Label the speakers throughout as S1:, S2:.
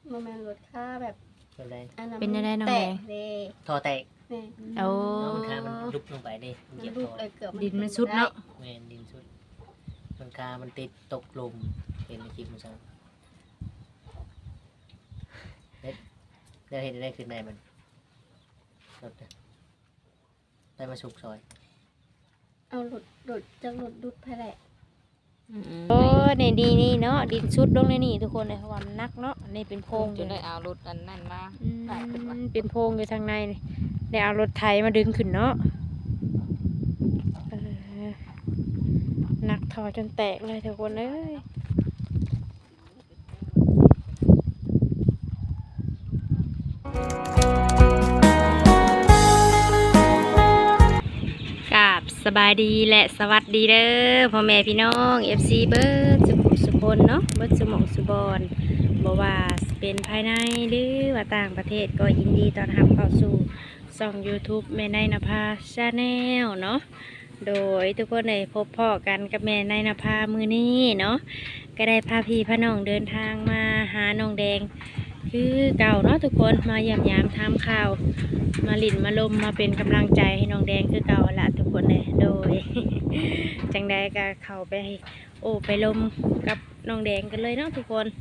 S1: มันเป็นรถค่าแบบ
S2: เป็นไร
S1: อันนั้น
S3: เป็นอะไรน้อง
S1: แต
S3: แด
S1: ก
S3: ง
S1: เลย
S2: ท่อแตก
S1: แม่
S3: โอ้
S2: น้องมันคามันลุกลงไปดิมัน
S1: มัน
S2: เหยียบ
S1: ลู
S2: ท่
S1: ก
S2: อ
S1: เลยเกือบ
S3: ดินมันสุดเนาะ
S2: แม่นดินสุดมันคามันติดตกลมเป็นในคลิปมันซ้ำได้เห็นได้ขึ้นในมันรถได้มาสุกซอย
S1: เอารถจากรถดุดไปแหละ
S3: โอ้นี่ดีนี่เนาะดินสุดลงในนี่ทุกคนเลยเพราะว่ามันนักเนาะนี่เป็นโพรง
S4: จนได้เอารถอันนั้นมา
S3: อืม
S4: ได้ขึ้นมา
S3: เป็นโพรงอยู่ทางในนี่ได้เอารถไถมาดึงขึ้นเนาะเออหนักทอจนแตกเลยทุกคนเอ้ยกราบสบายดีและสวัสดีเด้อพ่อแม่พี่น้อง FC เบิร์ดสุพลเนาะเบิร์ดสมองสุบอนบ่ว่าสิเป็นภายในหรือว่าต่างประเทศก็ยินดีต้อนรับเข้าสู่ช่อง YouTube แม่นายนภาชาแนลเนาะโดยทุกคนได้พบพ่อกันกับแม่นายนภามือนี้เนาะก็ได้พาพี่พาน้องเดินทางมาหาน้องแดงคือเก่าเนาะทุกคนมาเยี่ยมยามทำข่าวมาหลินมาลมมาเป็นกำลังใจให้น้องแดงคือเก่าละทุกคนเลยโดย จังใดก็เข้าไปไปลมกับน้องแดงกันเลยเนาะทุกคน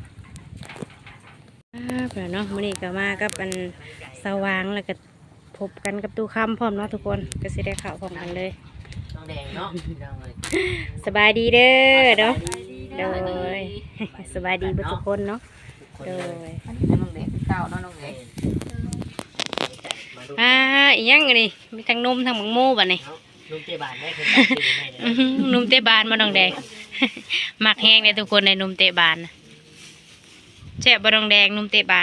S3: เพื่อนเนาะมื้อนี้ก็มากับอันสว่างแล้วก็พบกันกับตู้คำพร้อมเนาะทุกคนก็สิได้ข่าวพร้อมกันเลย
S2: น้องแดงเนาะพี่น้องเลย
S3: สบายดีเด้อเนาะโดย สบายดีเบุทุกคนเนาะ
S2: คน
S3: โด
S2: เลย
S3: ย
S4: อันนี้น้องเด็กเก่าเนาะน้องเด็ก
S2: มาดู
S3: อีหยังอันนี่มีทั้งนมทั้งหมังโม่บัดนี้
S2: ลุงเจบานได้คือการกินให้
S3: อื้อหือนมเตะบานมาน้องแดง มักแห้งเลยทุกคนในนมเตะบานน่ะแซ่บบ่น้องแดงนมเตะบาน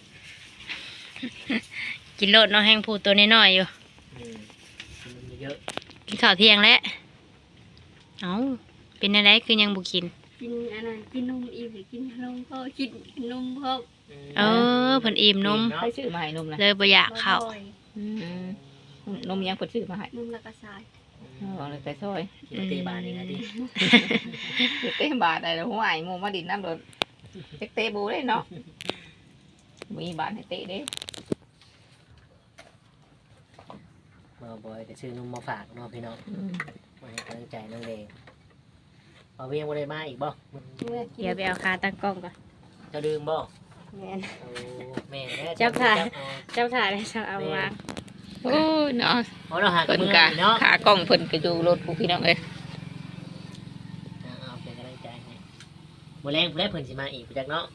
S3: กินโลดเนาะแห้งพูดตัวน้อยๆอยู่
S2: กินเยอะ
S3: กินข้าวเที่ยงแล้วเอ้าเป็นอะไรคือยังบุกิน
S1: กินอันนั้นกินนมอีกกินนมพ่อกินนมพ่อ
S3: เออเพิ่นอิ่มนม
S4: ใครซื้อมาให้นมนะ
S3: เลยบ่อยากเข้า
S1: บ่อย
S4: นมยังเพิ่นซื้อมาให้
S1: นมละกระสาย
S4: อ๋อเลยแต่ซอย
S2: กินเจบานนี่นะดิ
S4: เต้บาทได้แล้วหัวไอ้หมูมาดินน้ำโดนเจ๊กเตะบูได้เนาะมีบาทให้เตะเด้
S2: มาบ่อยแต่ซื้อนมมาฝากเนาะพี่น้องมาให้กำลังใจน้องแดงเอาเวียงบ่ได้มาอีกบ่
S1: เมื่อกิน
S3: เดี๋ยวไปเอาขาตั้งกล้องก่อน
S2: จะดื่มบ่
S1: แม่น
S2: โอ้แม่แม่
S3: จับถ่าย เจ้าถ่ายได้ช่างเอาวาง
S4: โอ้ยเนาะ
S2: เพราะเราหา
S4: เพิ่น
S2: มือก
S4: ะ
S2: เนาะ
S4: ขากล้องเพิ่นก็อยู่รถผู้พี่น้องเอ้ย
S2: เอาเป็นกำลังใจให้บ่แรงผู้ใดเพิ่นสิมาอีกจักเนาะ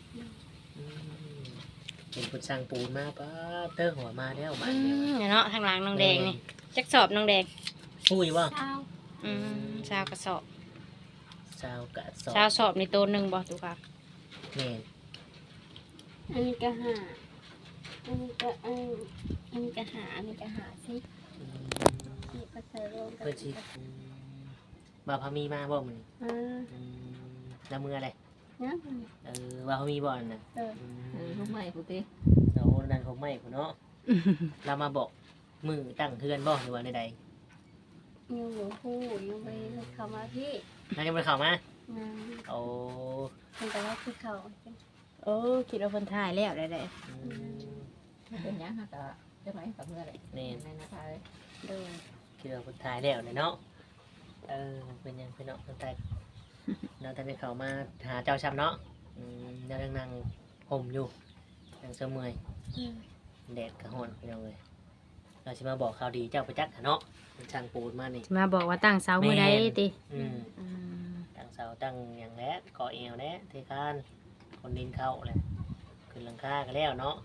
S2: เป็นผู้สร้างปูนมาป้าเตอร์หัวมาแล้วบ้านเดียว
S3: เนี่ยเนาะทางหลังน้องแดงนี่จักสอบน้องแดง
S2: ปูอยู่บ่
S1: เช้า
S3: ชาวกระสอบ
S2: ชาวกะสอบ
S3: ชาวสอบในตัวหนึ่งบ่ตุกค่ะ
S2: แม่น
S1: อันนี้ก็หาอันนี้ก็อันนี้ก็หาอันนี้ก็หาสินี่ก็ใส่รวมกัน
S2: เพิ่นสิบ่าวพามีมาบ่มื้อนี้
S1: อ่า
S2: แล้วมืออะไร
S1: นะ
S2: ว่าเขามีบ่อนน่ะ
S4: ลูกใหม่ผู้ติ
S2: เราดันเขาไม่พุ่นเนาะเรามาบอกมือตั้งเทือนบ่หรือว่าใด
S1: ยังอยู่คู่ยังไปเข้ามาพี่
S2: ๆแล้วยังบ่ได้เข้ามา
S1: นะ
S2: โอ้
S1: มันแต่ว่าคือเขา
S3: โอ้คิดว่าคนถ่ายแล้วได้
S2: อืม
S4: เป็นหยังฮะก็จะไหมกับเมื่อไหร่
S2: นี่
S4: ในนะคะ
S1: โดย
S2: คิดว่าคนถ่ายแล้วเลยเนาะเป็นยังเป็นเนาะคนถ่ายเราแต่ได้เข้ามาหาเจ้าช้ำเนาะเรายังนั่งห่มอยู่ยังเสมอยแดดกระหอนพี่น้องเลยเราสิมาบอกข่าวดีเจ้าประจักษ์เนาะเป็นช่างปูนมานี่
S3: จะมาบอกว่าตั้งเสาเมื่อใดติ
S2: อืม ตั้งเสาตั้งอย่างแล้วก่อเอวแล้วเทคานคนดินเข้าเลยขึ้นหลังคากันแล้วเนาะ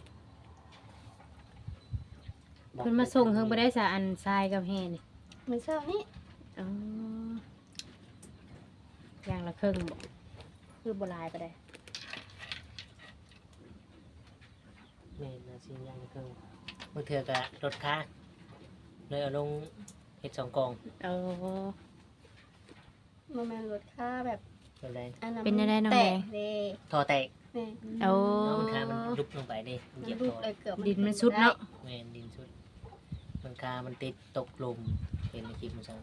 S3: เพิ่นมาส่งเพิ่งบ่ได้สาอันทรายกับแห่นี่
S1: ไม่ชอบนี่
S3: อ๋ออย่างละครึ่งบ่คือบ่หลายปานใด
S2: เมนนะสิยังคือเมื่อเถื่อกะรถค้าเลยเอาลงเห็ด2 กอง
S3: เออ
S1: มันเป็นรถค่าแบบ
S2: เป็นไร
S1: อันนั้น
S3: เป็นอะไรน้อง
S1: แต
S3: แด
S1: ก
S3: ง
S1: เลย
S2: ท่อแตก
S1: แม่
S3: โอ้
S2: น้องมันค้ามันลุกลงไปดิมัน
S1: มั
S2: เหยีย
S1: น
S2: บ
S1: ลูก
S2: ท่อ
S1: เลยเกือบ
S3: ดินมันสุดเนาะ
S2: เมนดินสุดมันค้ามันติดตกลมเป็นในคลิปมันซะ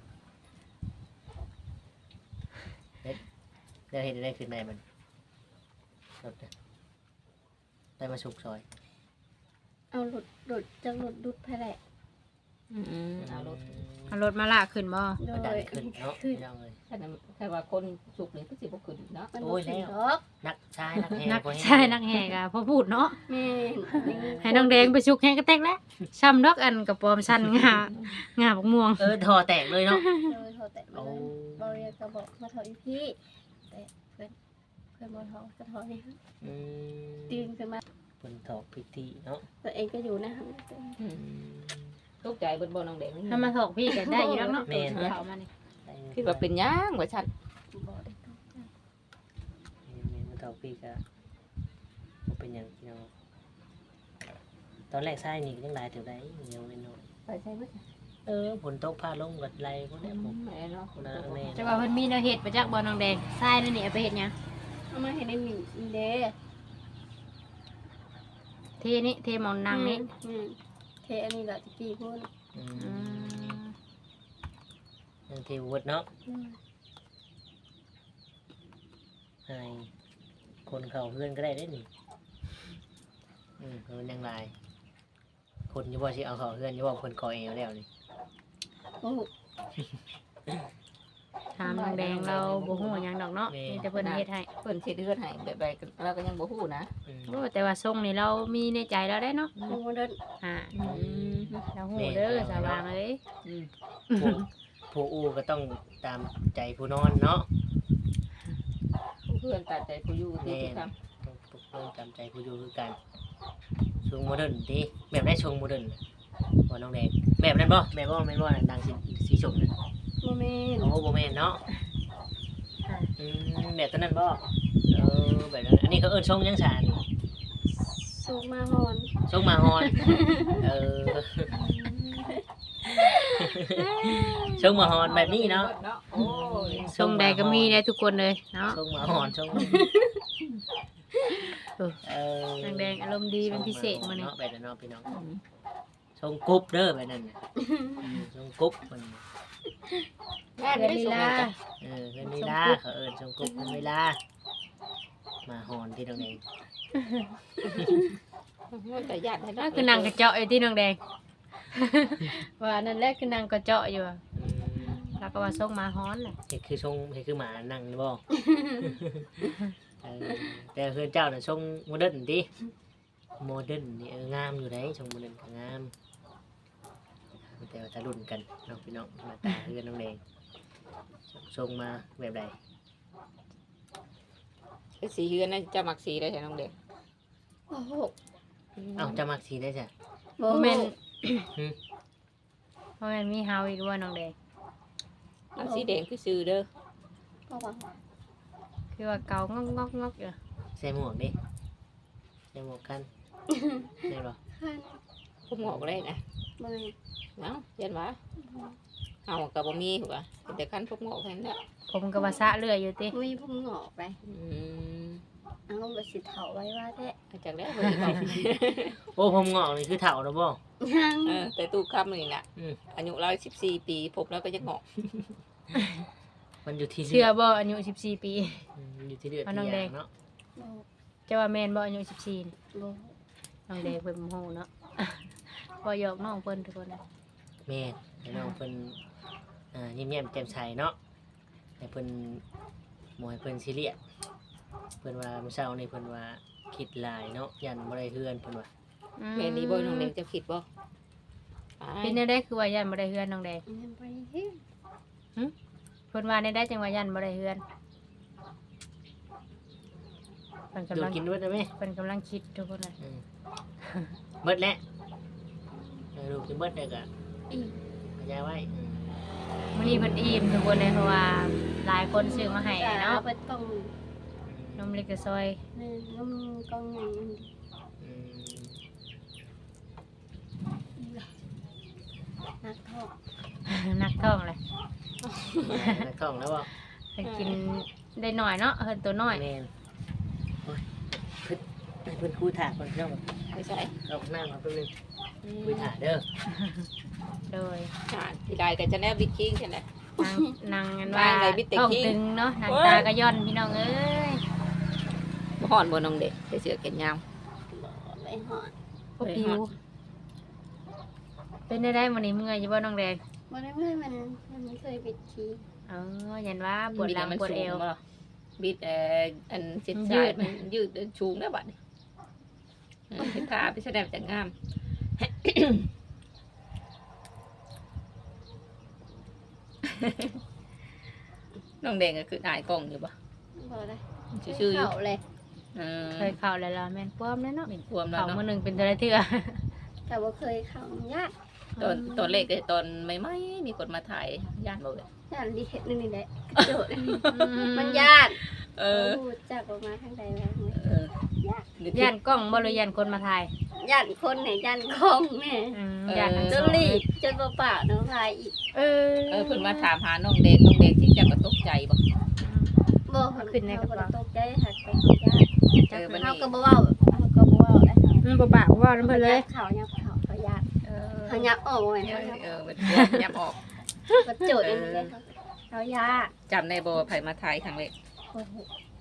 S2: ได้เห็นได้ขึ้นในมันรถน่ะได้มาสุกซอย
S1: เอาหลุดจะหลุดดุดไปแหละ
S4: เอารถ
S3: เอารถมาลากขึ้นบ่
S1: โด
S2: มาดัน
S1: ย
S2: ขึ้นเนาะ
S1: ขึ้น
S2: พี่น้องเลย
S4: แต่ว่าคนสุกนี่ก็สิบ่ขึ้นเนาะ
S1: มัน
S2: โอ้ย
S1: ขึ้น
S2: แล้ว
S1: ดอก
S2: นักชายนักแห่
S3: นัก
S2: บ่แห่
S3: ใช่นักแหกอะพอพูดเนาะ
S1: แม่น
S3: ให้น้องแดงไปชุกแหกกระแตกแล้วช้ำดอกอันกับปอมชันงาบักม่วง
S2: ทอแตกเลยเนาะ
S1: โดยโทรแต่มา
S2: โอ้
S1: บริเวณก็บอกมาถอยพี่แต่เพื่อนบนท้องก็ถอยนี่ฮะ
S2: อืม
S1: ตื่นขึ้นมา
S2: เพิ่นถอกพิธีเนาะ
S1: ตัวเองก็อยู่นะครับ
S4: ตกใจเบิ่บ่น้องแดง
S3: ถ้ามาถอกพี่ก็ได้อยู่แล้วเนาะ
S2: แม่น
S3: เขามานี่
S4: คิดว่าเป็นหยังว่าฉัน
S1: บอกได้ตกใจ
S2: แม่นมันถอกพี่ก็บ่เป็นหยังพี่น้องตอนแรกชายนี่ยังหลายเท่าใดยังน้อย
S4: ไปใช่ไหม
S2: ฝนตกพาลงกับไหลพวกเนี้ยผม
S4: แม่เนาะ
S2: นะแม่
S3: จะว่าเพิ่นมีแนวเฮ็ดมาจากบ่อน้องแดงทรายนั่นนี่เอาไปเฮ็ดหยัง
S1: เอามาเห็นในหมีเด้
S3: เทนี่เทหมองนางนี่
S1: เทอันนี้แหละตะกี้พูด
S2: อื
S3: อื
S2: ม
S3: ม
S2: ยังเทวุฒเนาะให้คนเขาเพื่อนก็ได้ได้นี่มันยังหลายคนอยู่บ่สิเอาเขาเพื่อนอยู่บ่คนคอเอวแล้วนี่
S1: โอ้
S3: ถามน้องแดงเราบ่ฮู้หยังดอกเนาะมีแต่เพิ่นเฮ็ดให้
S4: เพิ่นสิเดือนให้แบบใดเราก็ยังบ่ฮู้นะ
S2: อืม
S3: โอ้แต่ว่าทรงนี่เรามีในใจแล้วได้เนาะ
S1: โหเดิน
S3: อ่า
S4: อืม
S3: เราฮู้เด้อสว่างเอ้ย
S2: ผู้ผู้อู้ก็ต้องตามใจผู้นอนเนาะ
S4: เพื่อนตัดใจผู้อยู่ที่ทุกค
S2: ต้องเพิ่นตามใจผู้อยู่คือกันชงโมเดิร์นดิแบบได้ชงโมเดิร์นบ่น้องแดงแบบนั้นบ่แบบบ่แม่นบ่น่ะดังสีชมน่ะ
S1: โมเมน
S2: โอ้บ่แม่นเนาะ
S3: อ่า
S2: แบบตัวนั้นบ่แบบนั้นอันนี้เขาเอิ้นชงยังสาร
S1: สูงมาหอน
S2: ชงมาฮอนชงมาฮอนแบบนี้เนาะ
S4: โอ้ย
S3: ทรงใดก็มีได้ทุกคนเลยเนาะ
S2: ชงมาฮอนชง
S3: น้องแดงอารมณ์ดีเป็นพิเศษมื้อนี้
S2: เนาะแบบนั้นเนาะพี่น้องชงกรุ๊บเด้อแบบนั้นน่ะชงกรุ๊บมัน
S4: งานได้สุกจ้ะ
S2: เพิ่นเวลาเขาเอิ้นชงกรุ๊บเพิ่นเวลามาฮอนที่ตรงนี้
S4: แต่ญาติให้
S3: ก็คือนางกระเจาะอยู่ที่น้องแดง ว่านั่นแหละคือนางกระเจาะอยู่อะแล้วก็ว่าส่งมาฮ้อนแหละ
S2: เฮ็ดคือชงเฮ็ดคือหมานั่งนี่บ่แต่เพื่อนเจ้าน่ะชงโมเดิร์นติโมเดิร์นนี่งามอยู่ได้ชงโมเดิร์นก็งามแต่ว่าถ้ารุ่นกันน้องพี่น้องหน้าตาเพื่อนน้องแดงชงมาแบบใด
S4: สีเฮือนน่ะจะมักสีได้ใช่น้องเด็ก
S1: โอ้โห
S2: เอ้าจะมักสีได้จ้ะ
S1: โม
S3: บ่
S1: เม
S3: แม่
S1: น
S3: นบ่แม่นมีเฮาอีกว่าน้องแดง
S4: น้ำสีแดงคือซื้อเด้อ
S1: ก็ว่า
S3: คือว่าเกางอกๆอยู่
S2: ใส่หมวกดิใส่หมวกกันได้บ่
S1: ขั้น
S4: ผมงอกเลยนะ
S1: โมเมน
S4: เนาะยันวะเอากับบ่มีหัวแต่คันพวกงอกแค่นั้นแหละ
S3: ผมก็ว่าสะเลื่อยอยู่ติ
S1: มีผมหงอกไป
S4: อืม
S1: เอาไปสิเถาไว้ว่าแท้
S4: อาจากแล้วเพิ่นบอก
S2: โอ้ผมงอกนี่คือเฒ่าแล้วบ่
S1: ยัง
S4: แต่ตู้คำนี่น่ะ
S2: อืม
S4: อายุ114ปีพบแล้วก็จะงอก
S2: มันอยู่ที่
S3: เชื่อบ่อายุ14 ปี
S2: อยู่ที่เลือด
S3: เอา
S2: ที่
S3: น้องแด
S2: ยาง งเนาะ
S1: โม
S3: จะว่าแม่นบ่อายุ14นี่
S1: โม
S3: น้องแดงเพิ่นบ่ฮู้เนาะ บ่หยอกน้องเพิ่นทุกคนนะ
S2: แม่นให้น้องเพิ่นยิ้มแย้มแจ่มใสเนาะให้เพิ่นบ่ให้เพิ่นซีเรียสเพิ่นว่ามื้อเช้านี่เพิ่นว่าคิดหลายเนาะยันบ่ได้เฮือนเพิ่นว่า
S4: แม่นี่บ่น้องเด็กจะคิดบ่
S3: เป็นแนวใดคือว่ายันบ่ได้เฮือนน้องแดง
S1: ยังไปที่
S3: เพิ่นว่าในได้จังว่ายันบ่ได้เฮือนเพิ่น
S2: ดู
S3: กำลัง
S2: กินด้วยได้ไหม
S3: เพิ่นกำลังคิดทุกคนน่ะ
S2: เบิดแล้วดูกินเบิดได้ก็
S1: อีก
S2: พยายไว้
S3: มื้อนี้เพิ่นอิ่มทุกคนเลยเพราะว่าหลายคนซื้อมาให้
S1: แต่
S3: เนาะ
S1: ไปตรง
S3: นมเล็กกระซอย
S1: นี่น้ำกองใหญ่มัน
S2: อืม
S1: นักทอก
S3: นักท้องเลย
S2: นักท่องแล้วบ่
S3: เพิ่นกินได้หน่อยเนาะเพิ่นตัวน้อย
S2: แม่นโอ้ยเพิ่นคุยถากเพิ่นเนาะ
S4: ไม่ใช่
S2: เอาหน้ามาเพิ่นนึงคุยถากเด้อ
S3: โดย
S4: ที่ได้ก็จะแนบบิ๊กคิงใช่ไหม
S3: นางอันว่า
S4: ว่าไงบิดแต่
S3: ท้อง
S4: ขี้
S3: ตึงเนาะนางตากระย่อนพี่น้องเอ้ย
S4: บ่ฮ้อนบ่น้องเด็กใส่เสื้อแขนยาว
S1: ไปหอด
S3: พวกผิวเป็นได้มื้อนี้เมื่อยอยู่บ่น้องแดง
S1: บ่ได้เมื่อยมันไม่เคยปิดขี้
S3: อ๋อยันว่าปวดหลังปวดเอว
S4: บิดอันเจ็ด
S3: ยื
S4: สาย
S3: ด
S4: มันยืดชูงได้บัดนี้เฮ็ดท่าไปแสดงจากงาม น้องแดงก็คืออายกล้องอยู่ปะ
S1: บ่ได้
S4: ชื่อๆอยู่
S1: เขาเลย
S3: เคยเข้าแล้วล่ะแม่นป้อมแล้วเนาะ
S4: เป็นความแล้ว
S3: เข้า
S4: เนาะ
S3: มื้อหนึงเป็นเท่าไรเทื่อ
S1: แต่ว่าเคยเข้ายาก
S4: ตอนเล็กเลยตอนไม่มีคนมาถ่ายย่านบ่เลย
S1: ย่านดีเฮ็ดนี่แหละกระโดดมันยาก
S4: เออ
S1: รู้จักออกมาทางใดแล้วเนี่ย
S4: เออย
S1: าก
S3: ย่านกล้องบ่หรือย่านคนมาถ่าย
S1: ย่านคนไหนย่านของแม่
S3: ย่านทั้ง
S1: จ
S3: ส
S1: น
S3: อง
S1: รีบจนเปล่าๆน้ำลายอีก
S3: เออ
S4: เพิ่นมาถามหาน้องแดงที่จะก็ตกใจบ่
S1: บ่
S3: ขึ้นในกระเป๋า
S1: ตกใจหักไปของญาติ
S4: วัน
S1: เฮา
S4: นี้
S1: ก็บ่เว้าเฮาก็บ่เว้าได้
S3: มันบ่ปากบ่เว้านำเพิ่นเลย
S1: เขายับเขาญาติ
S4: เออ
S1: เขายับออกไว้
S4: เป็นยับออก
S1: กระโจดอย่างนี้เลยเขาญาติ
S4: จำได้บ่ว่าไผมาถ่ายครั้งแรก
S1: โอ้โห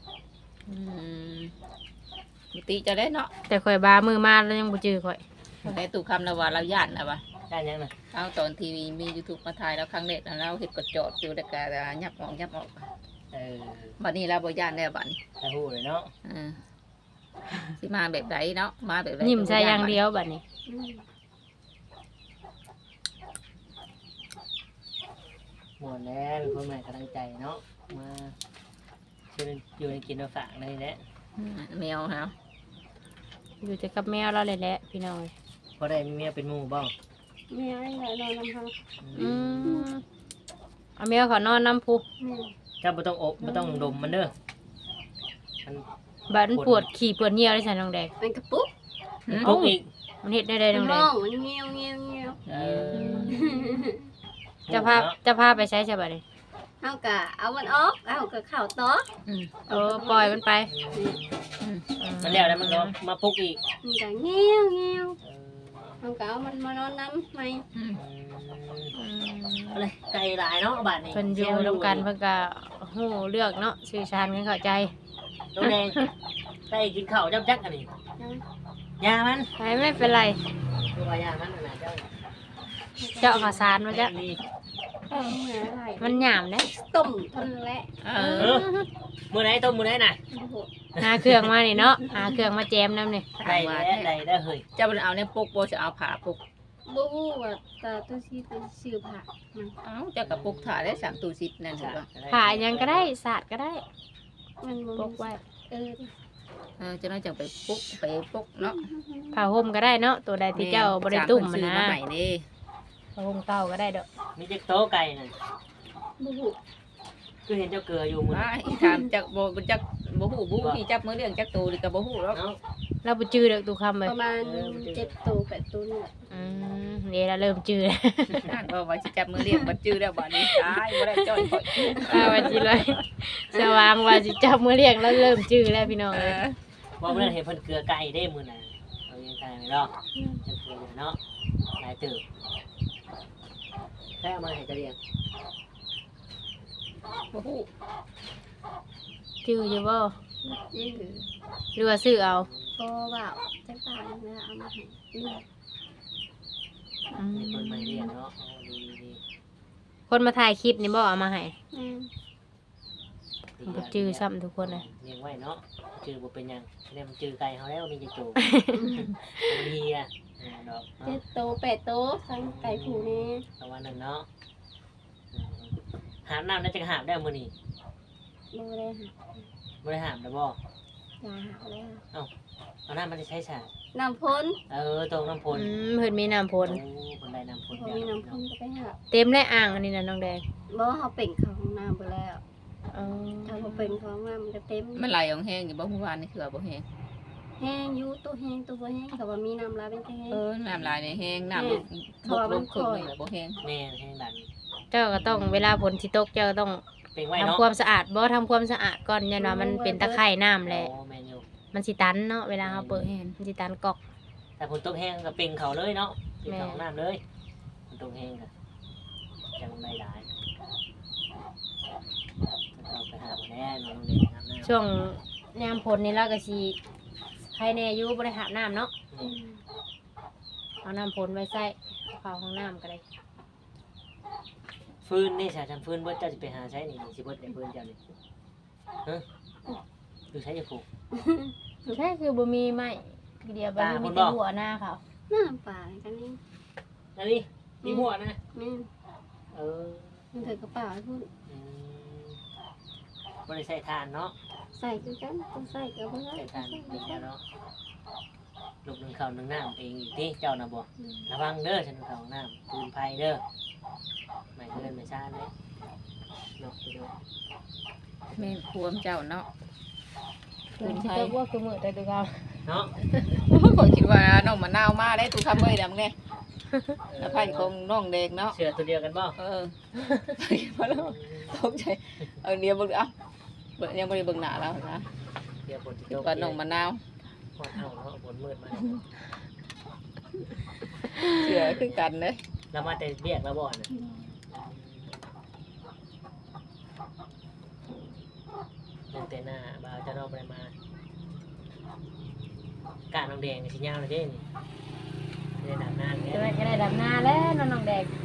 S4: มิติจะได้เนาะ
S3: แต่ข่อยบามือมาแล้วยังบ่จื้อข่อย
S4: ได้ตู่คำแล้วว่าเราย่านนะว่า
S2: ได้ยังน่ะ
S4: เอาตอนทีวีมี YouTube มาถ่ายแล้วครั้งแรกแล้วเราเฮ็ดกดจอดอยู่แล้วก็ยับออก
S2: เออ
S4: บัดนี้เราบ่ย่านแล้วบัดนี้
S2: ถ้าฮู้เลยเนาะ
S4: สิมาแบบใดเนาะมาแบบใด
S3: ยิ้มใส่อย่างเดียวบัดนี้
S1: อืม
S2: ม่วนแล้วเป็นคนใหม่กำลังใจเนาะมาช่วยอยู่ในกินมาฝากเลยแหละ
S4: แมวฮะ
S3: อยู่แต่กับแมวเราเลยแหละพี่น้อง
S2: พอได้มีเมียเป็นหมู่บ่
S1: แม่ไอ้ไหนนอนลำพัง
S3: อืมเอาแมวเขานอนน้ำพุ
S1: แม่
S2: เจ้าบ่ต้องอบบ่ต้องดมมันเด้อมัน
S3: บัดมันปวดขี่ปวดเหี่ยวได้ใส่น้องแดง
S1: มันกระปุก
S2: ปลุกอีก
S3: มันเฮ็ดได้น้องแด
S1: ห้
S3: ง
S1: องมันเงี้ยวเงี้ยวเงี้ยว
S2: เออ
S3: จะพาไปใช้ใช่บัดนี้
S1: เฮากะเอามันออกเอากะเข้าต่อ
S3: เออปล่อยมันไป
S2: มันแล้วแล้วมันก็มาปลุกอีก
S1: มันกะเงี้ยวเงี้ยว
S2: เออ
S1: เฮากะเอามันมานอนน้ำไหม
S2: อะไรไก่หลายเนาะบาดนี้
S3: เพิ่นอยู่ร่วมกันเพิ่นก็ฮู้เลือกเนาะสื่อสารกันเข้าใจ
S2: น้องแดงไก่กินข้าวจับจักอันนี้ยามัน
S3: ไม่เป็นไร
S2: คือว่ายามันน่ะเจ้า
S3: เจาะข้าวสารมาจ้ะ
S2: นี่
S1: เหมือนอะไร
S3: มันหยามเด้
S1: ต้มทนและ
S2: เออมื้อไหนต้มมื้อไหนน่ะ
S1: โอ้โห
S3: หาเครื่องมานี่เนาะหาเครื่องมาแจมน้ำนี่
S2: ได้ได้เฮ้ย
S4: จะเอาในปุกบ่จะเอาผ้าปุก
S1: บ่ฮู้ว่าตาตัวซีเป็นชื่อผักมัน
S4: เอ้าจะกับปุกถ่ายได้3ตู้10นั่นถูกป่ะ
S3: ผ่ายังก็ได้สาดก็ได้
S1: มันบ่
S3: ปกไว้
S4: จะน้อยจังไปปุกเนาะ
S3: ผ่าห่มก็ได้เนาะตัวใดที่เจ้าบ่ได้ตุ่มมันนะ
S4: ใหม่นี่
S3: ผ่าห่มเก่าก็ได้ดอก
S2: มีจักโต๊ะไก่น่ะ
S1: บ่ฮู้
S2: คือเห็นเจ้าเกลืออยู่มื้อ
S4: ว่าอีถามจักบ่จักบ่ฮู้บ่ที่จับมือเรื่องจักตูนี่ก็บ่ฮู้หรอก
S2: เนาะ
S3: เราบ่จื้อดอกตูคำเลย
S1: ประมาณ7ตัว8ตัวนี่แหละ
S3: นี่เราเริ่มจื้อแล้ว
S4: นั่นก็ว่าสิจับมือเรียกบ่จื้อแล้วบัดนี้ตายบ่ได้จ้อยข่อย
S3: ว่าจิเลยสว่างว่าสิจับมือเรียงแล้วเริ่มจื้อแล้วพี่น้องเลย
S2: ว่าเมื่อเห็นเพิ่นเกลือไก่ได้มื้อน่ะเอายังไก่ไม่รอกจะเกลืออยู่เนาะหลายตื่นแค่เอามาให้กระเรียง
S4: บ่ฮู้
S3: จื้ออยู่บ่
S1: ยื้อ
S3: หรือว่าซื้อเอา
S1: ก็ว่าจักบาทนึงแล้วเอามาให้ยื้อ
S2: มีคนมาเรียนเนาะดีดี
S3: คนมาถ่ายคลิปนี่บ่เอามาให้
S1: แม่
S3: บ่จื้อซ้ำทุกคนเลย
S2: เลี้ยงไว้เนาะจื้อบ่เป็นหยังเนี่ยมันจื้อไก่เฮาแล้วมีจักโตมันเฮียดอกเนาะ
S1: 7ตัว8ตัวทั้งไก่ผูนี่
S2: ประมาณนั้นเนาะหามน้ำน่าจะหามได้มื้อนี้
S1: บ่ได้หา
S2: บ่ได้หามได้บ่
S1: ยาหาแล้ว
S2: เอาน้ำมันจะใช้ฉาก
S1: น้ำพ้น
S2: ตรงน้ำพล
S3: เพิ่นมีน้ำพล
S2: คนใดน้ำพล
S1: พอมีน้ำพ้นก็ไปหา
S3: เต็มได้อ่างอันนี้นะน้องแดง
S1: บ่เขาเป็นเขาห้องน้ำไปแล้ว
S3: อ๋อ
S1: ถ้าเขาเป็นเขาห้องน้ำมันก็เต็ม
S4: มันไหลออกแห้งอยู่บ่เมื่อวานนี่คือบ่แห้ง
S1: แห้งอยู่ตัวแห้งตัวบ่แห้งเขาว่ามีน้ำลายเป็นแห้ง
S4: น้ำลายในแห้งน้ำลงครึ่งนี่บ่แห้ง
S2: แม่ให้ดัน
S3: เจ้าก็ต้องเวลาฝนสิตกเจ้าก็ต้อง
S2: เป็นไว้
S3: ทำ
S2: เนาะ
S3: ความสะอาดบ่ทำความสะอาดก่อนยันว่ามันเป็นตะไคร่น้ำแหละ
S2: โอ้แมนยู
S3: มันสิตันเนาะเวลาเราเปิดแฮนมันสิตันกอก
S2: แต่ฝนตกแห้งก็เป็นเขาเลยเนาะเป็นเขาน้ำเลยฝนตกแห้งก็ยังไม่ได้เราไปหาแม่น้องเด็กน้ำ
S3: ช่วงยามฝนนี่เราก็สิใครแน่อยู่บ่ได้อาบน้ำเนาะ
S1: อืม
S3: เอาน้ำพลไว้ใส่เอาเข้าห้องน้ำก็ได้
S2: ฟืนนี่สาทำฟืนเบิดเจ้าจะไปหาใช้นี่สิเบิดในฟืนเจ้านี่ฮะดูใช้จะผูก
S3: ใช่คือบ่มีไม้เดียวบ่
S2: ตา
S3: มี
S2: คน
S3: แต่
S2: บอก
S3: หัวหน้าเขา
S1: หน้าป่ากันนี่
S2: อันนี้มีหัวนะ
S1: แม่น
S2: เออ
S1: มันถือกระเป๋าพุ่น
S2: อืมบ่ได้ใส่ทานเนาะ
S1: ใส่คือกันต้องใส่กับเพื่อน
S2: ใส่ทานเป็นแล้วเนาะลูกนึงข้าวนึงน้ำเองอีกที่เจ้าน่ะบอกระวังเด้อฉันนึงข้าวน้ำปืนไฟเด้อไม่เกินไม่ซ่าเลยเนาะไปดู
S4: แม่นควมเจ้าเนาะ
S3: คืนที่เจ้าว่าคือมือแต่ตัวเขา
S2: เนาะ
S4: ข่อยคิดว่าน้องมะนาวมาได้ตูคำเอ้ยดำไงแล้วไผ่คงน้องแดงเนาะ
S2: เสือตัวเดียวกันบ่
S4: เออพอแล้วตกใจเอาเนี้ยเบิ่งอ่ะเบิ่งยังบ่ได้เบิ่งหน้าแล้วนะ
S2: เดี๋ยวฝนจะ
S4: คิ
S2: ต
S4: ด
S2: ก
S4: ว่าน้องมะนาว
S2: หอดเอาเนาะฝนมืดมา
S4: เสือคือกันเด้
S2: แล้วมาแต่เรียกแล้วบ่น่ะยังแต่หน้าบ่าวจะนอกไปมากาดน้องแดงนี่สิยาวเลยเด้นี่ไม่ได้ดำน้ำ
S3: จะ
S2: เนี่ย
S3: ได้ก็ได้ดำนาแล้วน้องแดง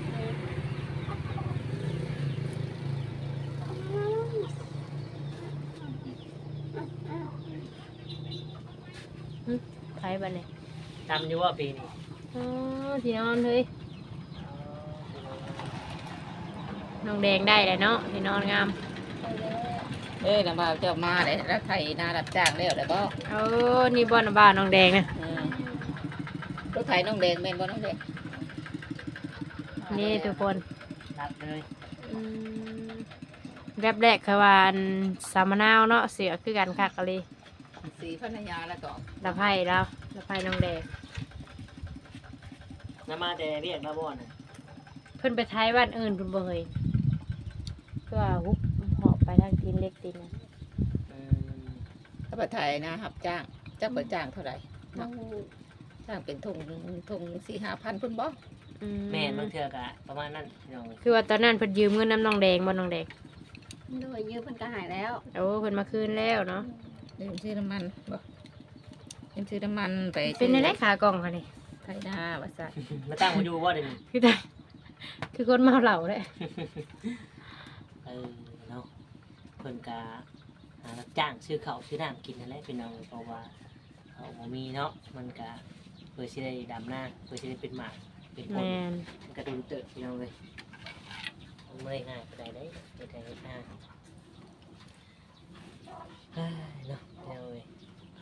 S3: ไผบัดนี้
S2: ทำอยู่ว่าปีนี้
S3: อ๋อที่นอนเลยน้องแดงได้แหละเนาะที่นอนงาม
S4: เอ้ยน้ำบ่าวเจ้ามาได้แล้วไถนารับจ้างแล้วได้บ่
S3: โอ้นี่บ่อนบ้านน้องแดงนะ
S4: รถไถน้องแดงแม่นบ่น้องแดง
S3: นี่ทุกคน
S2: รับเลย
S3: อืมแรกแรกคือว่าอันสามะนาวเนาะเสือคือกันคักกะเลย
S4: สีพันยาแล้วก็
S3: ละไผ่แล้วละไผ่น้องแดง
S2: น้ำมาแต่เรียกแล้วบ่น่ะ
S3: เพิ่นไปท้ายบ้านอื่นเพิ่นบ่เคยก็ฮุบหอบไปทางตีนเล็กตีนนะ
S2: อืม
S4: ถ้าไปไถนารับจ้างเจ้าเปิดจ้างเท่าไหร่
S1: เรา
S4: จ้างเป็นถุง4-5,000พุ่นบ่
S3: อื
S2: แม่นบางเทื่อกะประมาณนั้นพี่น้อง
S3: คือว่าตอนนั้นเพิ่นยืมเงินน้ำน้องแดงบ่น้องแดง
S1: โดยยืมมันก็หายแล้ว
S3: โอ้เพิ่นมาคืนแล้วเนาะ
S4: เดี๋ยวซื้อน้ำมันบ่เดี๋ยวซื้อน้ำมันไป
S3: เป็นในไรขากล่องค่ะนี่
S4: ไถนาว่าซั่น
S2: มาตั้งมาอยู่บ่เดี๋ยวนี้
S3: คือแต่คือคนเมาเหล้าเลย
S2: เออเนาะเพิ่นกะหารับจ้างซื้อข้าวซื้อน้ำกินนั่นแหละพี่น้องเพราะว่าเขาบ่มีเนาะมันกะเพื่อสิได้ดำหน้าเพื่อสิได้เป็นหมากเป็นผล
S3: แม่น
S2: มันกระดูเติบพี่น้องเลยมันไม่ได้ง่ายปานใดได้เฮ็ดให้เฮ็ดหน้าเฮ้ยเนาะพี่น้องเลย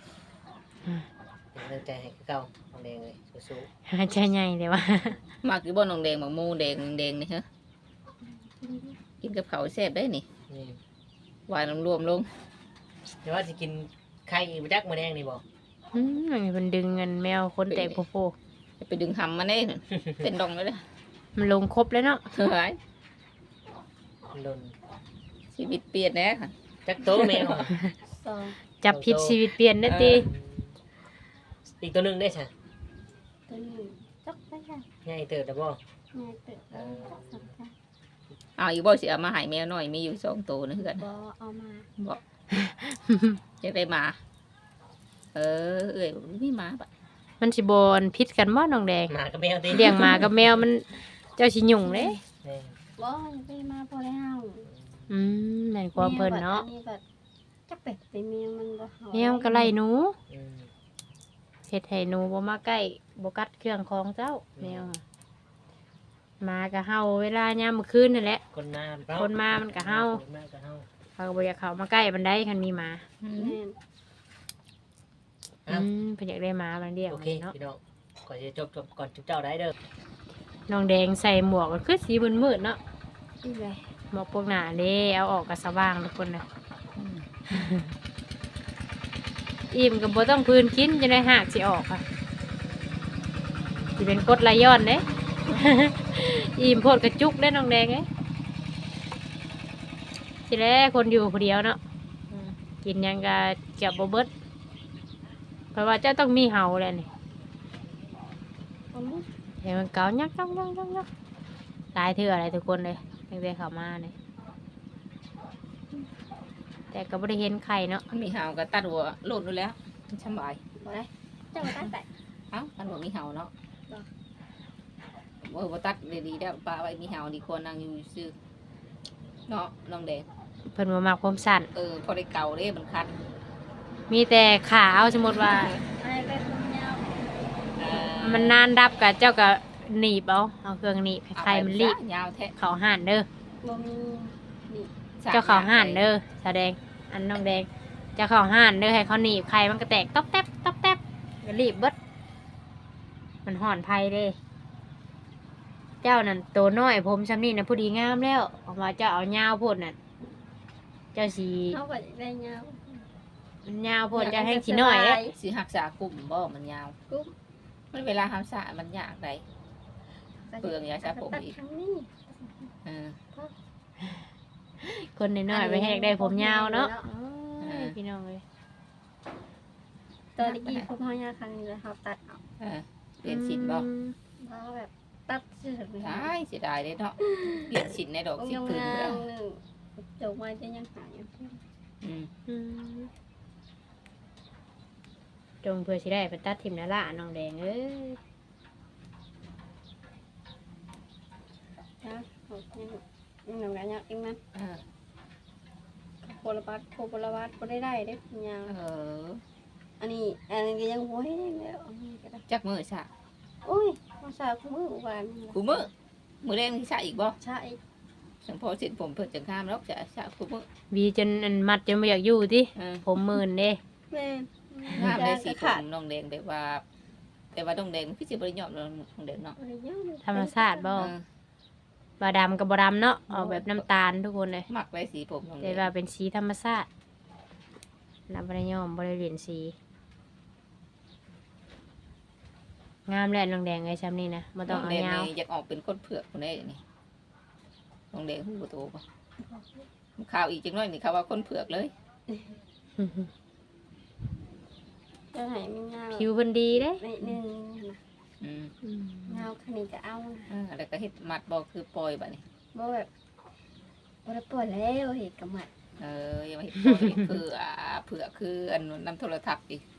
S2: เป็นกำลังใจให้คือเก่าน้องแดงเลยสู้
S3: หาใจใหญ่เลยว่ะ
S4: มักอยู่บ่น้องแดงบักหมูแดงนี่ฮะกินกับข้าวแซ่บได้นี่
S2: ๆนี่
S4: หวานรวมลง
S2: เดี๋ยวว่าสิกินไข่อีกบ่จักมื้อแดงนี่บ่
S3: อืมอันนี้เพิ่นดึงเงินแมวคนแตกโพโพ
S4: จะไปดึงหำมาได้น่ะเป็นดองเลยเด้อ
S3: มันลงครบแล้วเนาะ
S4: เฮ้ย
S2: มันโดน
S4: ชีวิตเปลี่ยนแน่ค่ะ
S2: จักโตแมว
S1: สอง
S3: จับผิดชีวิตเปลี่ยนได้ติ
S2: อีกตัวหนึงได้ซะ
S1: ตัวหนึ่งจกไปค่ะ
S2: ใหญ่เติบแล้วบ่
S1: งานเติบแล้วสองค่ะ
S4: เอาอีบ่สิเอามาให้แมวหน่อยมีอยู่2ตัวนะเฮือน
S1: บอเอามา
S4: บ่จะได้มาเอ้ยมีหมาปะ
S3: มันสิบนพิษกันบ่น้องแดง
S2: หมากับแมวติ
S3: เลี้ยงหมากับแมวมันเจ้าสิยุ่งเด้
S2: แม่
S1: บอไปมาพอแล้ว
S3: อืมแม่นความเพิ่นเนาะ
S1: อัแบบจักเป็ดแต่แมวมันบ่เห่า
S3: แมวก็ไล่หนู
S2: อืม
S3: เฮ็ดให้หนูบ่มาใกล้บ่กัดเครื่องของเจ้าแมวอะหมาก็เห่าเวลายามมื้อคืนนั่นแหละ
S2: คนมา
S3: คนมามันก็เห่า
S2: คนมาก็เฮา
S3: เขาก็บ่อยากเข้ามาใกล้มันได้คันมีหมา
S1: แม่น
S3: อืมเพิ่นอยากได้หมามันเลี้ยง
S2: โอ
S3: มั
S2: เค
S3: นเนาะ
S2: พี่น้องก่อนจะจบก่อนจุ๊บเจ้าได้เด้อ
S3: น้องแดงใส่หมวกก็คือสีมืดๆเนาะ
S1: อีไร
S3: หมวกพวกหน้าเด้เอาออกก็สว่างทุกคนน่ะอิ่มก็บ่ต้องพื้นกินจะได้หากสิออกค่ะสิเป็นกรดไหลย้อนเด้ อิ่มโพดกระจุกได้น้องแดงเอ้ยสิแลคนอยู่ผู้เดียวเนาะกินหยังก็เก็บบ่เบิดเพราะว่าเจ้าต้องมีเห่าแหละนี่
S1: เอาลูก
S3: เห็นมันเกายักหลายเทื่ออะไรทุกคนเลยตั้งแต่เข้ามาเนี่ยแต่ก็บ่ได้เห็นไข่เนาะ
S4: มันมีหาวก็ตัดหัวโลดนู่นแล้วมันสบาย
S1: บบ่ได้เจ้าตัดแต่
S4: เอ้ามันบ่มีเห่าเนาะ
S1: บ่
S4: บ่ตัดดีๆแล้วปลาไว้มีเห่าดีกว่านั่งอยู่ซื่อเนาะน้องแดง
S3: เพิ่นบ่มักผมสั้น
S4: พอได้เก่าเด้มันคัน
S3: มีแต่ขาเอาสมมุติว่า
S1: อะไรเป็นผมยาว
S3: มันนานดับกับเจ้าก็หนีบเอาเครื่องหนีบให้ใครมันรีบ
S4: ยาวแท้
S3: เขาห่านเด้อ
S1: บ่มีนี่
S3: เจ้าเขาห่านเด้อแสดงอันน้องแดงเจ้าเขาห่านเด้อให้เขาหนีบใครมันก็แตกต๊อกแต๊บต๊อกแต๊บก็รีบเบิดมันห่อนไผเด้ เจ้านั่นโตน้อยผมซำนี่นะผู้ดีงามแล้วออกมาเจ้าเอายาวโพดน่ะเจ้าสี
S1: เขาก็ได้ยาว
S3: มันยาวโพดเจ้าแห้งสีน้อยเด้
S4: สิหักษากลุ่มบ่มันยาว
S1: กุ๊บ
S4: มันเวลาทำสระมันยากได เปลืองยาชาผมอีก
S1: ตัดครั้งนี้
S4: เออ
S3: คนน้อยๆไปให้ได้ผมยาวเนาะ
S4: เออ
S3: พี่น้องเลย
S1: ตอนนี้ผมเฮายาวครั้งนี้แล้วเขาตัดออก
S4: เออเปลี่ยนสินบ่
S1: เพราะแบบตัดเสื้อเลย
S4: ใช่เสียดายเลยเนาะเปลี่ยนสินในดอก
S1: ผม
S4: สิ
S1: ยัง
S4: คืน
S1: งา
S4: แล้ว
S1: มหนึ่งจบมาจะยังหาอยู่
S4: อืม
S3: จงเพื่อสิได้ไปตัดทิมนาละน้องแดงเอ้ย
S1: นะผมยังหนุ่มกันยังอีกมั้ย
S4: เออ
S1: โคลบัสก็ได้เด้ผมยาว
S4: เออ
S1: อันนี้ก็ยังโว้ยแล้วอันนี้ก็ได้
S4: จักมือสระ
S1: อุ้ยภาษาคู่มือวาน
S4: กูมือแรงที่สระอีกบ่
S1: ใช่
S4: สังพอสินผมเพิ่นจังข้ามแล้วจะสระกูมือ
S3: วีจนอันมัดจนไม่อยากอยู่ติ
S4: เออ
S3: ผมหมื่นเด้
S1: แม่
S4: งามได้สีผ
S1: ขาด
S4: มน้องแดงแบบว่า แต่ว่าน้องแดงมันคือสิบ่ได้ยอมน้องแดงเนาะ
S3: ธรรมชาติบ่
S4: เออบ
S3: าดำกับบาดำเนาะออกแบบน้ำตาลทุกคนเลย
S4: มักได้สีผมน้องแด
S3: แต่
S4: ง
S3: ว่าเป็นสีธรรมชาตินับบริยอมบริเรียนสี งามแหละน้องแดงไอ้ซ้ำนี่นะมาต้องเอา
S4: น้องแดง
S3: ยาว
S4: นี่อยากออกเป็นคนเผือกคนได้นี่น้องแดงหูโตป่ะข่าวอีกจังน้อยนี่เขาว่าคนเผือกเลย
S1: จะให้มันยาว
S3: ผิวเพิ่นดีเด้
S1: นิดนึงนะ
S4: อืม
S1: ยาวคันนี้ก็เอานะ
S4: แล้วก็เฮ็ดมัดบอกคือปล่อยบัดนี้
S1: บ่แบบบ่ได้ปวดแล้วเห็ดกับหมัด
S4: อย่ามาเฮ็ดปล่อยเผือกคืออันนำโทรทัศน์อีก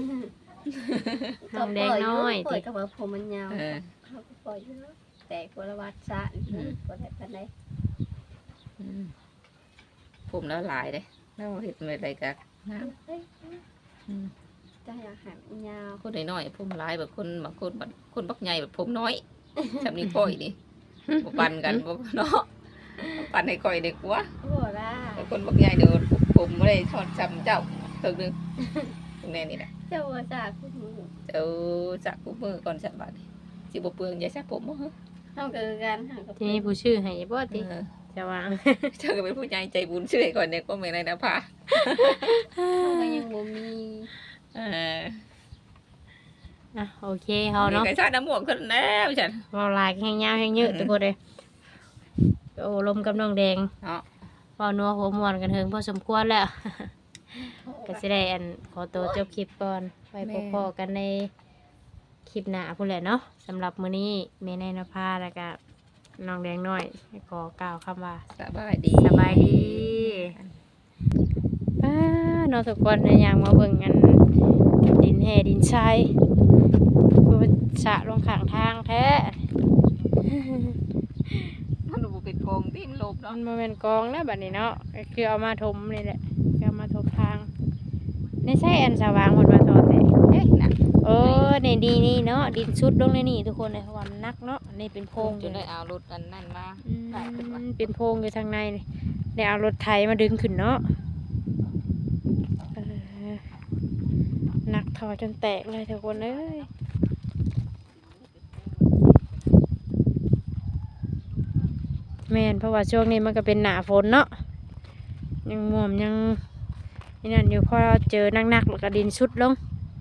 S3: น้องแดงน้อย
S1: ปล่
S3: ติ
S1: อยกับว่าผมมันยาว
S4: เออ
S1: เขาก็ปล่อยอยู่แล้วแต่กลวัดซะบ่ได้ปานใด
S4: อืมผมแล้วหลายเด้แล้วเฮ็ดอะไรกันงาม
S1: เฮ้ย
S4: อืม
S1: จะอยากให้มันยาว
S4: คนน้อยๆผมหลายแบบคนบางคนแบบคนบักใหญ่แบบผมน้อยจำนี้ก้อยนี่บ่ปันกันบ่เนาะปันให้ก้อยเด็กวะ
S1: บ่ล่ะ
S4: แต่คนบักใหญ่เดินผมไม่ได้ทอดจำเจ้าเพิ่งนึงตรงนี้นี่แหละ
S1: เจ้าว่าซะคุณหนู
S4: เจ้าจักกูมือก่อนสักบาทสิบ่เปลืองอย่าซักผมบ่ฮะ
S1: เฮาก็คือกันหากับ
S3: ทีนี้ผู้ชื่อให้บ่ติ
S4: เออ
S3: จะวาง
S4: เจ้าก็เป็นผู้ใหญ่ใจบุญช่วยก่อนเนี่ยก็ไม่ได้นะพา
S1: เฮาก็ยังบ่มี
S4: เออ
S3: อ่ะโอเคเฮาเนาะ
S4: ไก่ชาติน้ำหมวกขึ้นแล้วฉัน
S3: เว้าหลายแห้งยาวแห้งยืดทุกคนเลยโอ้ลมกับน้องแดง
S4: เนาะ
S3: เว้านัวหัวม่วนกันเถิงพอสมควรแล้ว ก็สิได้อันขอตัวจบคลิปก่อนไว้พบกันในคลิปหน้าพุ่นแหละเนาะสำหรับมื้อนี้แม่นายนภาแล้วก็น้องแดงน้อยขอกล่าวคำว่า
S4: สบายดี
S3: สบายดีป้าเนาะทุกคนนะอยากมาเบิ่งอันดินแห่ดินทรายคือมันสระลงข้างทางแท้
S4: มันดูเป็นโกงที่มันลบเนาะ
S3: มันบ่แม่นกองนะบัดนี้เนาะก็คือเอามาถมนี่แหละก็เอามาถมทางไม่ใช่อันสว่างหมดมาทอดแต่
S4: เอ๊ะน่ะ
S3: โอ้ในดีนี่เนาะดินชุดลงในนี่ทุกคนเลยเพราะว่ามันนักเนาะนี่เป็นโพรง
S4: จนได้เอารถอันนั่นมา
S3: อืม
S4: ได้ขึ้นมา
S3: เป็นโพรงอยู่ทางในนี่ได้เอารถไถมาดึงขึ้นเนาะเออหนักทอจนแตกเลยทุกคนเอ้ยแม่นเพราะว่าช่วงนี้มันก็เป็นหน้าฝนเนาะยังม่วมยังนี่นั่นอยู่พอเจอนักๆแล้วก็ดินชุดลง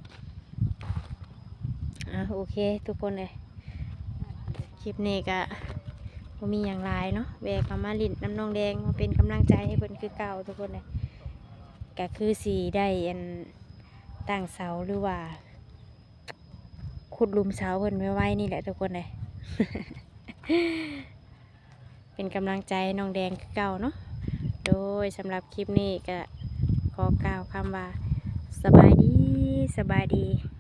S3: โอเคทุกคนเลยคลิปนี้ก็บ่มีอย่างไรเนาะแวกเอามาลิ้นน้ำนองแดงมาเป็นกำลังใจให้เพิ่นคือเก่าทุกคนเลยก็คือสีได้อันตั้งเสาหรือว่าขุดหลุมเสาเพิ่นไว้นี่แหละทุกคนเลย เป็นกำลังใจให้น้องแดงคือเก่าเนาะโดยสำหรับคลิปนี้ก็ขอกล่าวคำว่าสบายดีสบายดี